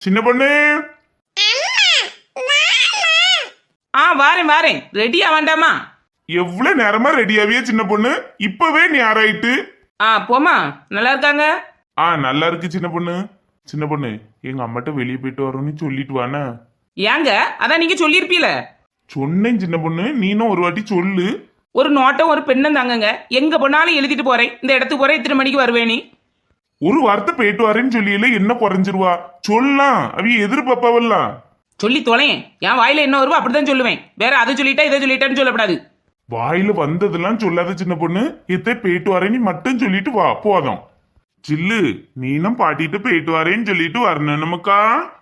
சின்ன பொண்ணு. வாரேன் வாரேன். ரெடியா வேண்டாமா? எவ்வளவு நேரமா ரெடியாவியே சின்ன பொண்ணு? இப்பவே நீ ஆராயிட்டு. போமா. நல்லா இருக்காங்க? நல்லா இருக்கு சின்ன பொண்ணு. சின்ன பொண்ணு, எங்க அம்மாட்ட வெளியே போயிட்டு வரோன்னு சொல்லிட்டு வானே. ஏங்க? அதான் நீங்க சொல்லிருப்பீல. சொன்னேன் சின்ன பொண்ணு, நீனும் ஒரு வாட்டி சொல்லு. ஒரு நோட்டம் ஒரு பெண்ணும் தாங்கங்க. எங்க போனாலும் எழுதிட்டு போறேன், இந்த இடத்துக்கு போறேன், இத்தனை மணிக்கு வருவேனி. ஒரு வார்த்தை போயிட்டு வரேன்னு சொல்லியில என்ன குறைஞ்சிருவா? சொல்லலாம், அவிய எதிர்பார்ப்பாவல்லாம். சொல்லி தொலையேன். என் வாயில என்ன வருவோ அப்படிதான் சொல்லுவேன். வேற அதை சொல்லிட்டா இதை சொல்லிட்டான்னு சொல்லப்படாது. வாயில வந்ததெல்லாம் சொல்லாத சின்ன பொண்ணு. எத்த போயிட்டு வரேன்னு மட்டும் சொல்லிட்டு வா, போதும். சில்லு, நீனும் பாட்டிட்டு போயிட்டு வரேன்னு சொல்லிட்டு வரணும் நமக்கா.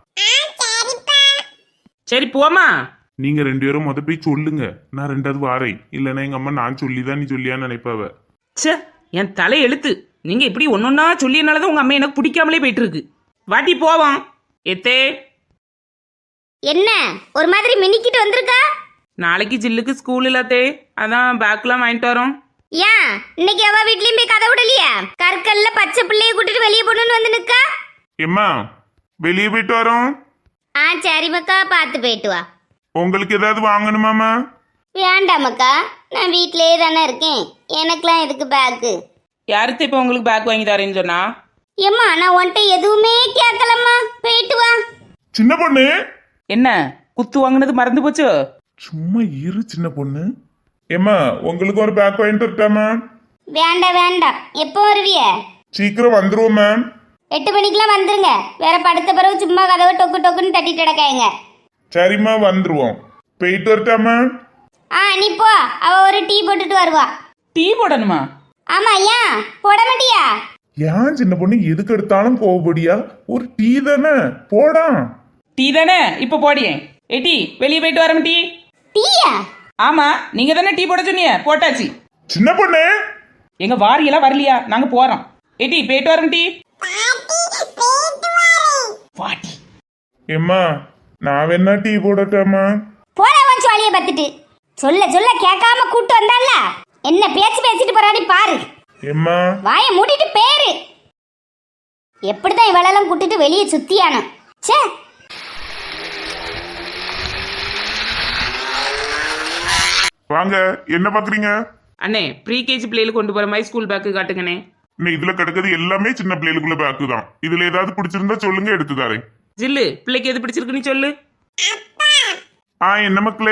சரி போமா. நீங்க 2 பேரும் முத போய் சொல்லுங்க, நான் 2வது வாரேன். இல்லன்னா எங்க அம்மா நான் சொல்லிதான் நீ சொல்லியான்னு நினைப்பாவ. சே, என் தலை எழுத்து. நீங்க இப்படி ஒன்னொன்னா சொல்லியனாலதான் உங்க அம்மா எனக்கு பிடிக்காமலே போயிட்டு இருக்கு. வாட்டி போவோம். எத்தே என்ன ஒரு மாதிரி மினிக்கிட்டு வந்திருக்கா? நாளைக்கு ஜில்லுக்கு ஸ்கூல் இல்லாத்தே, அதான் பேக்லாம் வாங்கிட்டு வரோம். ஏன் இன்னைக்கு அவ வீட்லயும் போய் கதை விடலையா? கற்கல்ல பச்சை பிள்ளைய கூட்டிட்டு வெளியே போகணும்னு வந்து நிக்கா. எம்மா, வெளியே போயிட்டு வரோம். சரி மக்கா, பார்த்து போயிட்டு வா. உங்களுக்கு ஏதாவது வாங்கணுமாமா? வேண்டாமக்கா, நான் வீட்லயே தானே இருக்கேன். எனக்குலாம் எதுக்கு பேக்கு? யாருக்கு இப்ப உங்களுக்கு பேக் வாங்கி தரேன்னு சொன்னா? ஏம்மா, நான் உன்கிட்ட எதுவுமே கேட்கலம்மா. போயிட்டு வா. சின்ன பொண்ணு, என்ன குத்து வாங்கினது மறந்து போச்சு? சும்மா இரு சின்ன பொண்ணு. ஏம்மா, உங்களுக்கு ஒரு பேக் வாங்கிட்டு வரட்டாமா? வேண்டாம் வேண்டாம். எப்போ வருவிய? சீக்கிரம் வந்துருவோம் மேம். 8 மணிக்கெல்லாம் வந்துருங்க. வேற படுத்த பிறகு சும்மா கதவை டொக்கு டொக்குன்னு தட்டிட்டு கிடக்காங்க. சரிம்மா, வந்துருவோம். போயிட்டு வரட்டாமா? நீ போ. அவ ஒரு டீ போட்டுட்டு வருவா. டீ போடணுமா? ஆமா. ஏன் போட மாட்டியா? ஏன் சின்ன பொண்ணு எதுக்கு எடுத்தாலும் கோவப்படியா? ஒரு டீ தானே, போடா. டீ தானே, இப்ப போடியேன். டீ வெளியே போயிட்டு வரோம். டீ டீயா? ஆமா, நீங்க தானே டீ போட சொன்னீங்க, போட்டாச்சு. சின்ன பொண்ணு, எங்க வாரியெல்லாம் வரலையா? நாங்க போறோம். டீ போயிட்டு வரோம். டீ வாட்டி. ஏம்மா, நான் வேணா டீ போடட்டாமா? போட வந்து வாளிய பத்துட்டு சொல்ல சொல்ல கேட்காம கூட்டு வந்தால என்ன பேச்சு பேசிட்டு போறாடி பாரு. ஏம்மா, வாய மூடிட்டு பேரு. எப்படிதான் இவளெல்லாம் கூட்டிட்டு வெளியே சுத்தியானோ. சே, வாங்க. என்ன பாக்குறீங்க? அண்ணே, ப்ரீ கேஜி பிள்ளைகளுக்கு கொண்டு போற மாதிரி ஸ்கூல் பேக்கு காட்டுங்கண்ணே. இன்னும் இதுல கிடக்குது எல்லாமே சின்ன பிள்ளைகளுக்குள்ள பேக்கு தான். இதுல ஏதாவது பிடிச்சிருந்தா சொல்லுங்க, எடுத்து தரேன். ஜில்லு, பிள்ளைக்கு எது பிடிச்சிருக்குன்னு சொல்லு. என்ன மக்களே?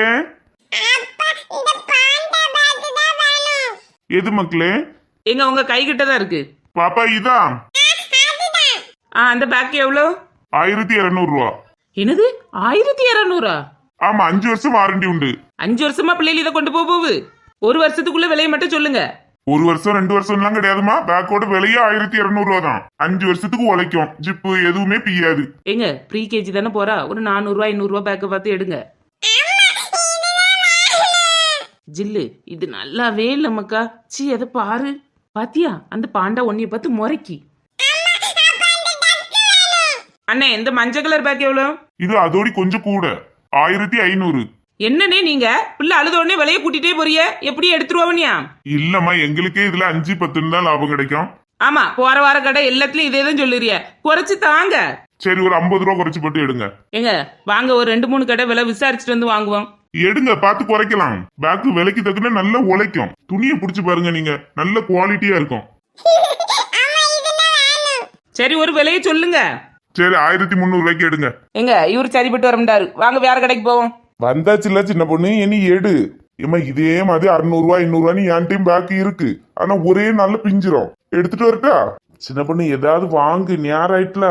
எது மக்களே? எங்க உங்க கை கிட்ட தான் இருக்கு பாப்பா. இதா அந்த பேக் எவ்வளோ? 1200 ரூபா. என்னது 1200? ஆமா, 5 வருஷம் வாரண்டி உண்டு. 5 வருஷமா பிள்ளைகள் இதை கொண்டு போகுது. 1 வருஷத்துக்குள்ள விலையை மட்டும் சொல்லுங்க. 1 வருஷம் 2 வருஷம் எல்லாம் கிடையாதுமா. பேக்கோட விலையே 1200 ரூபா தான். 5 வருஷத்துக்கு உழைக்கும். ஜிப்பு எதுவுமே பிய்யாது. எங்க ப்ரீ கேஜி தானே போறா, ஒரு 400 ரூபாய் 500 ரூபாய் பேக்கை பார்த்து எடுங்க. ஜில்லு, இது நல்லாவே இல்ல மக்கா. சி, அதை பாரு. பாத்தியா அந்த பாண்டா ஒன்னிய பார்த்து முறைக்கி. அண்ணே, இந்த மஞ்சள் கலர் பேக் எவ்வளோ? இது அதோடி கொஞ்சம் கூட, 1500. என்னன்னே நீங்க பிள்ளை அழுத உடனே விலையை கூட்டிட்டே போறிய? எப்படி எடுத்துருவாவனியா? இல்லம்மா, எங்களுக்கே இதுல 5-10 தான் லாபம் கிடைக்கும். ஆமா, போற வார கடை எல்லாத்துலயும் இதே தான் சொல்லுறிய. குறைச்சு தாங்க. சரி, ஒரு 50 ரூபா குறைச்சு போட்டு எடுங்க. எங்க வாங்க, ஒரு 2-3 கடை விலை விசாரிச்சுட்டு வந்து வாங்குவோம். எடுங்க, பார்த்து குறைக்கலாம். பேக்கு விலைக்கு தக்குன நல்லா உழைக்கும். துணியை பிடிச்சு பாருங்க, நீங்க நல்ல குவாலிட்டியா இருக்கும். சரி, ஒரு விலையை சொல்லுங்க. சரி, 1300 ரூபாய்க்கு எடுங்க. எங்க இவரு சரிப்பட்டு வரமாட்டாரு. வாங்க வேற கடைக்கு போவோம். வந்தாச்சுல சின்ன பொண்ணு, இனி எடு. ஏமா, இதே மாதிரி 600 ரூபாய் 500 ரூபாய் என் டைம் பேக்கு இருக்கு. ஆனா ஒரே நாள்ல பிஞ்சிரும். எடுத்துட்டு வரட்டா? சின்ன பொண்ணு, ஏதாவது வாங்கு, நேரம் ஆயிட்டல.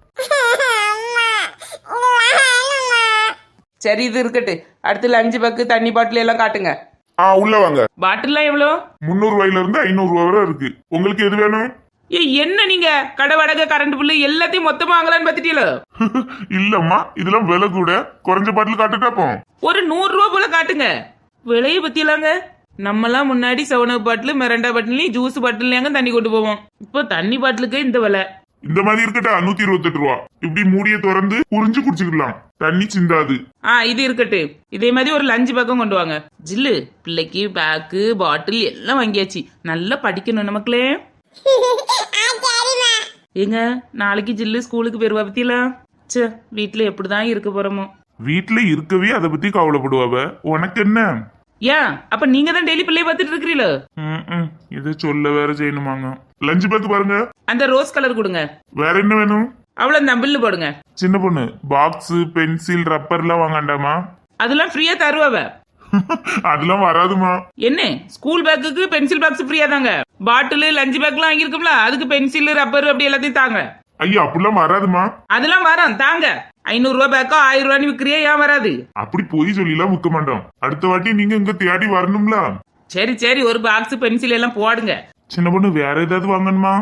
சரி, இது இருக்கட்டு. அடுத்து லஞ்சு பேக்கு, தண்ணி பாட்டில் எல்லாம் காட்டுங்க. உள்ள வாங்க. பாட்டில்லாம் எவ்வளோ? 300 ரூபாயில இருந்து 500 ரூபாய் வரை இருக்கு. உங்களுக்கு எது வேணும்? என்ன நீங்க கடை வாடகை, கரண்ட் பில்லு எல்லாத்தையும் மொத்தமா வாங்கலான்னு பாத்துட்டீங்களோ? இல்லம்மா, இதெல்லாம் விலை கூட. குறைஞ்ச பாட்டில் காட்டுட்டாப்போ ஒரு 100 ரூபா போல காட்டுங்க. விலையை பத்திலாங்க நம்மலாம் முன்னாடி 7 பாட்டில், மிரண்டா பாட்டிலையும் ஜூஸ் பாட்டிலையாங்க தண்ணி கொண்டு போவோம். இப்போ தண்ணி பாட்டிலுக்கு இந்த விலை. இந்த மாதிரி இருக்கட்டா 128 ரூபா. இப்படி மூடிய திறந்து புரிஞ்சு குடிச்சுக்கலாம், தண்ணி சிந்தாது. இது இருக்கட்டு. இதே மாதிரி ஒரு லஞ்சு பக்கம் கொண்டு வாங்க. ஜில்லு, பிள்ளைக்கு பேக்கு பாட்டில் எல்லாம் வாங்கியாச்சு. நல்லா படிக்கணும் நமக்குள்ளே. ஏங்க நாளைக்கு ஜில்லு ஸ்கூலுக்கு போயிருவா பத்தியலாம். ச்சே வீட்டுல எப்படிதான் இருக்க போறோமோ. வீட்டுல இருக்கவே அதை பத்தி கவலைப்படுவாவ. உனக்கு என்ன? ஏன் அப்ப நீங்க தான் டெய்லி பிள்ளைய பார்த்துட்டு இருக்கிறீங்களோ? இதை சொல்ல வேற செய்யணுமாங்க. லஞ்ச் பேக் பாருங்க. அந்த ரோஸ் கலர் கொடுங்க. வேற என்ன வேணும்? அவ்வளவு பில்லு போடுங்க. சின்ன பொண்ணு பாக்ஸ் பென்சில் ரப்பர் எல்லாம் வாங்காண்டாமா? அதெல்லாம் ஃப்ரீயா தருவாவ. அதெல்லாம் வராதுமா. என்ன ஸ்கூல் பேக்குக்கு பென்சில் பாக்ஸ் ஃப்ரீயா தாங்க. பாட்டில் லஞ்ச் பேக்லாம் வாங்கிருக்கும்ல, அதுக்கு பென்சில் ரப்பர் அப்படி எல்லாத்தையும் தாங்க. ஐயா அப்படிலாம் வராதுமா. அதெல்லாம் வரும் தாங்க. 500 ரூபாய் பேக்கோ 1000 ரூபாய் விற்கிறியா? ஏன் வராது? அப்படி போய் சொல்லிலாம் விற்க மாட்டோம். அடுத்த வாட்டி நீங்க இங்க தேடி வரணும்ல. சரி சரி ஒரு பாக்ஸ் பென்சில் எல்லாம் போடுங்க. சின்ன பொண்ணு வேற ஏதாவது வாங்கணுமா?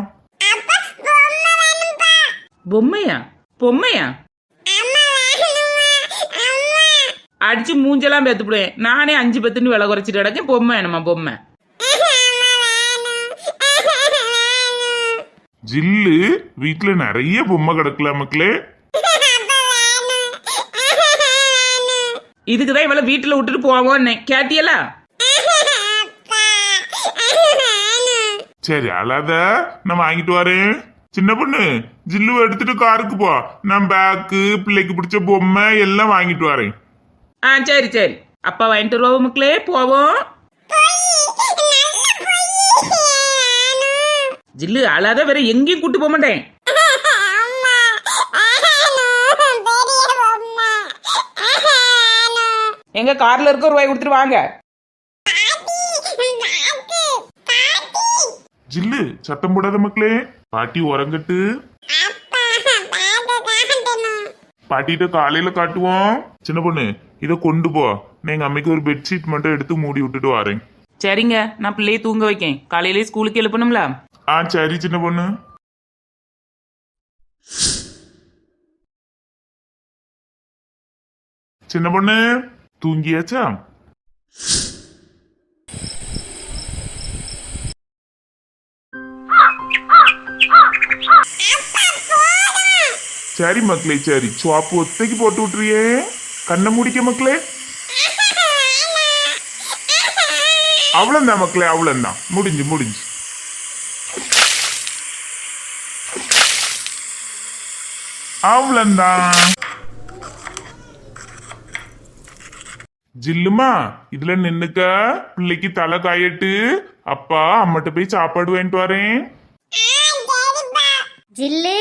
பொம்மையா? பொம்மையா? அடிச்சு மூஞ்செல்லாம் பேத்துப்படுவேன். நானே 5 பத்துன்னு விலை குறைச்சிட்டு கிடக்கேன். பொம்மை வேணுமா? பொம்மை ஜில்லு வீட்டுல நிறைய பொம்மை கிடக்கல மக்களே. இதுக்குதான் இவளை வீட்டுல விட்டுட்டு போவோன்னு கேட்டியல. சரி அழாத, நான் வாங்கிட்டு வரேன். சின்ன பொண்ணு ஜில்லுவை எடுத்துட்டு காருக்கு போ. நான் பேக்கு பிள்ளைக்கு பிடிச்ச பொம்மை எல்லாம் வாங்கிட்டு வரேன். சரி சரி அப்பா வாங்கிட்டு வருவோம் மக்களே. போவோம். ஜில்லு அழாத, வேற எங்கேயும் கூட்டு போக மாட்டேன். எங்க கார்ல இருக்க ரூபாய் கொடுத்துட்டு வாங்க. ஜில்லு சத்தம் போடாத மக்களே. பாட்டி உறங்கட்டு. பாட்டிட்ட காலையில காட்டுவோம். சின்ன பொண்ணு இத கொண்டு போ. நான் எங்க அம்மைக்கு ஒரு பெட்ஷீட் மட்டும் எடுத்து மூடி விட்டுட்டு வரேன். சரிங்க, நான் பிள்ளையை தூங்க வைக்கேன். காலையிலே ஸ்கூலுக்கு எழுப்பணும்ல. சரி சின்ன பொண்ணு. சின்ன பொண்ணு தூங்கியாச்சா? சரி மக்களே, சரி சுவாப்பு ஒத்தைக்கு போட்டு விட்டுறியே. கண்ணை முடிக்க மக்களே. அவ்வளவுதான் மக்களே, அவ்வளவுதான். முடிஞ்சு முடிஞ்சு. அவ்வளவுதான். ஜில்லுமா இதுல நின்னுக்க. பிள்ளைக்கு தலை காயட்டு. அப்பா அம்மட்ட போய் சாப்பாடு வாங்கிட்டு வரேன். ஜில்லு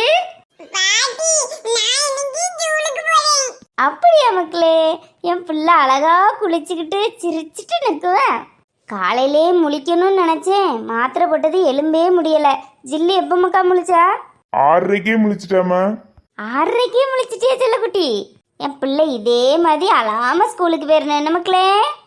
அப்படியா மக்களே? என் பிள்ளை அழகா குளிச்சுக்கிட்டு சிரிச்சிட்டு நிற்குவேன். காலையிலே முழிக்கணும்னு நினைச்சேன். மாத்திரை போட்டது எலும்பே முடியல. ஜில்லு எப்ப மக்கா முழிச்சா? 6:30க்கே முழிச்சிட்டாமா. 6:30க்கே முழிச்சிட்டியா செல்லக்குட்டி? என் பிள்ளை இதே மாதிரி அழாம ஸ்கூலுக்கு போயிருந்தேன். என்ன மக்களே?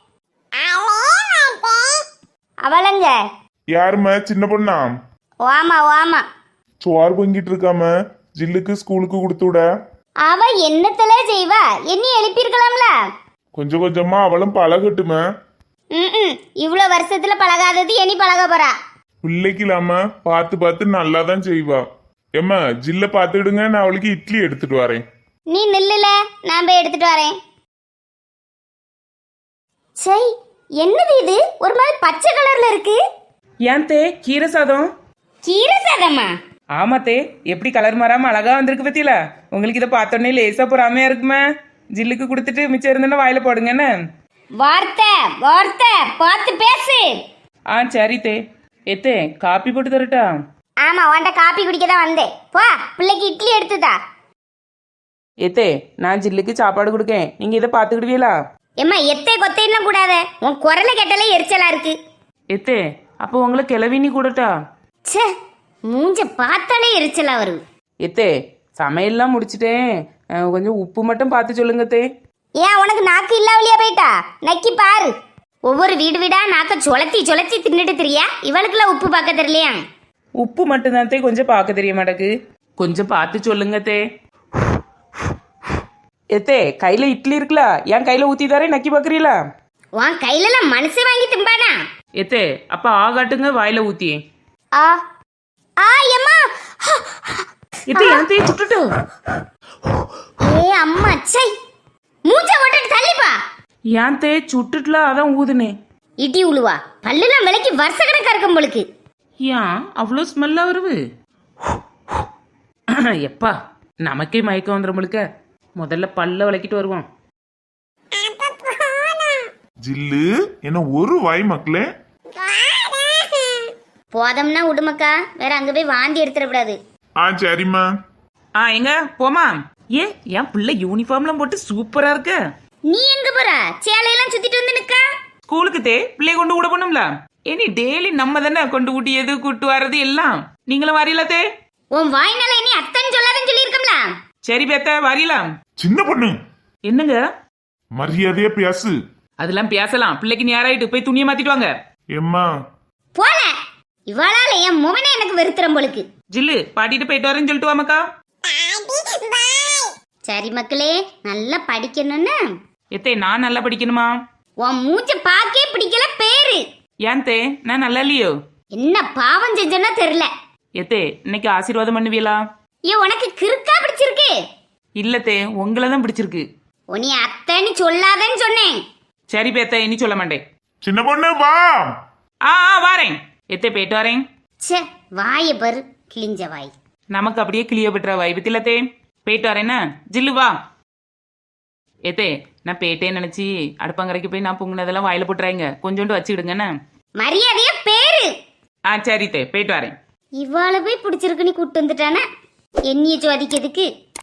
அவளங்க யாருமா? சின்ன பொண்ணா? வாமா வாமா. சோறு பொங்கிட்டு இருக்காம. ஜில்லுக்கு ஸ்கூலுக்கு கொடுத்து விட. அவ என்னத்தல செய்வா? என்ன எழுப்பியிருக்கலாம்ல. கொஞ்சம் கொஞ்சமா அவளும் பழகட்டுமா. இவ்வளவு வருஷத்துல பழகாதது இனி பழக போறா. பிள்ளைக்கு இல்லாம பார்த்து பார்த்து நல்லா தான் செய்வா. ஏம்மா ஜில்ல பார்த்துடுங்க, நான் அவளுக்கு இட்லி எடுத்துட்டு வரேன். நீ நில்லுல, நான் போய் எடுத்துட்டு வரேன். சை, என்னது இது? ஒரு மாதிரி பச்சை கலர்ல இருக்கு. ஏன் தே கீரை சாதம்? கீரை சாதமா? ஆமாத்தே, எப்படி கலர் மாறாம அழகா வந்திருக்கு பத்தியில. உங்களுக்கு இதை பார்த்தோன்னே லேசா பொறாமையா இருக்குமே. ஜில்லுக்கு கொடுத்துட்டு மிச்சம் இருந்தோன்னா வாயில போடுங்கன்னு. வார்த்தை வார்த்தை பார்த்து பேசு. சரி தே. எத்தே காப்பி போட்டு தரட்டா? ஆமா, உன்ட காப்பி குடிக்க தான் வந்தேன். போ, பிள்ளைக்கு இட்லி எடுத்துதா. எத்தே நான் ஜில்லுக்கு சாப்பாடு கொடுக்கேன், நீங்க இதை பாத்துக்கிடுவீங்களா? ஏம்மா எத்தை கொத்தைன்னா கூடாத. உன் குரலை கேட்டாலே எரிச்சலா இருக்கு. எத்தே அப்போ உங்களை கிளவினி கூடட்டா? ச்சே, மூஞ்ச பார்த்தாலே எரிச்சலா வருது. எத்தே சமையல்லாம் முடிச்சிட்டேன், கொஞ்சம் உப்பு மட்டும் பார்த்து சொல்லுங்க தே. ஏன் உனக்கு நாக்கு இல்லாவலியா போயிட்டா? நக்கி பாரு. ஒவ்வொரு வீடு வீடா நாக்க சொலத்தி சொலத்தி தின்னுட்டு திரியா. இவளுக்குலாம் உப்பு பார்க்க தெரியலையா? உப்பு மட்டும்தான் தே கொஞ்சம் பார்க்க தெரிய மாட்டேக்கு. கொஞ்சம் பார்த்து சொல்லுங்க தே. எத்தே கையில இட்லி இருக்குல்ல, என் கையில ஊத்தி தரேன், நக்கி பாக்குறீங்களா? உன் கையில மனசு வாங்கி திம்பானா? எத்தே அப்ப ஆகாட்டுங்க வாயில ஊத்தி. ஆ ஆ எம்மா. எத்தே என் தே சுட்டுட்டு. ஏ அம்மா சை, மூஞ்ச ஓட்டிட்டு தள்ளிப்பா. ஏன் தே சுட்டுட்டுல, அதான் ஊதுனேன். இடி உழுவா, பல்லுலாம் விலைக்கு வருஷ கணக்கா இருக்கும் போலுக்கு. ஏன் அவ்வளோ ஸ்மெல்லா வருது? எப்பா நமக்கே மயக்கம் வந்துடும் முதல்ல பல்ல விளக்கிட்டு வருவோம். ஜில்லு என்ன ஒரு வாய் மக்களே. போதம்னா விடுமக்கா, வேற அங்க போய் வாந்தி எடுத்துடக்கூடாது. சரிம்மா. எங்க போமா? என் பிள்ளை யூனிஃபார்ம்லாம் போட்டு சூப்பரா இருக்கு. நீ எங்க போற? சேலையெல்லாம் சுத்திட்டு வந்து நிக்கா. ஸ்கூலுக்கு பிள்ளைய கொண்டு விட போனோம்ல. இனி டெய்லி நம்ம தானே கொண்டு ஊட்டியது கூட்டு வர்றது எல்லாம். நீங்களும் வரீங்களா? உன் வாய்னால இனி அத்தன் சொல்லாதன்னு சொல்லியிருக்கோம்ல. சரி பேத்த வரீலாம். சின்ன பொண்ணு என்னங்க? மரியாதையா பேசு. அதெல்லாம் பேசலாம். பிள்ளைக்கு நேராயிட்டு போய் துணியை மாத்திட்டு வாங்க. எம்மா போல இவளால என் முகனே எனக்கு வெறுத்துறம் போலுக்கு. ஜில்லு பாட்டிட்டு போயிட்டு வரேன்னு சொல்லிட்டு வாமக்கா. சரி மக்களே, நல்லா படிக்கணும்னு. நான் நல்லா படிக்கணுமா? உன் மூஞ்ச பாக்கே பிடிக்கல பேரு. ஏன் நான் நல்லா இல்லையோ? என்ன பாவம் செஞ்சோன்னா தெரியல. இன்னைக்கு ஆசீர்வாதம் பண்ணுவீங்களா? உனக்கு கிறுக்கா பிடிச்சிருக்கு? இல்ல உங்களை தான் பிடிச்சிருக்கு. உன்னை அத்தன்னு சொல்லாதன்னு சொன்னேன். சரி பேத்த இனி சொல்ல மாட்டேன். சின்ன பொண்ணு வா. வாரேன். போயிட்டு வரேன். சே வாய பாரு, கிழிஞ்ச வாய். நமக்கு அப்படியே கிளிய பெற்ற வாய் பத்திலத்தே. போயிட்டு வரேன்னா ஜில்லு வா. நான் போயிட்டேன்னு நினைச்சி அடுப்பங்கரைக்கு போய் நான் பொங்குனதெல்லாம் வாயில போட்டுறாங்க. கொஞ்சோண்டு வச்சுக்கிடுங்கண்ணே. மரியாதைய பேரு. சரி போயிட்டு வரேன். இவாள போய் பிடிச்சிருக்கு நீ கூட்டு வந்துட்டானே. என்னைய ஜோதிக்கிறதுக்கு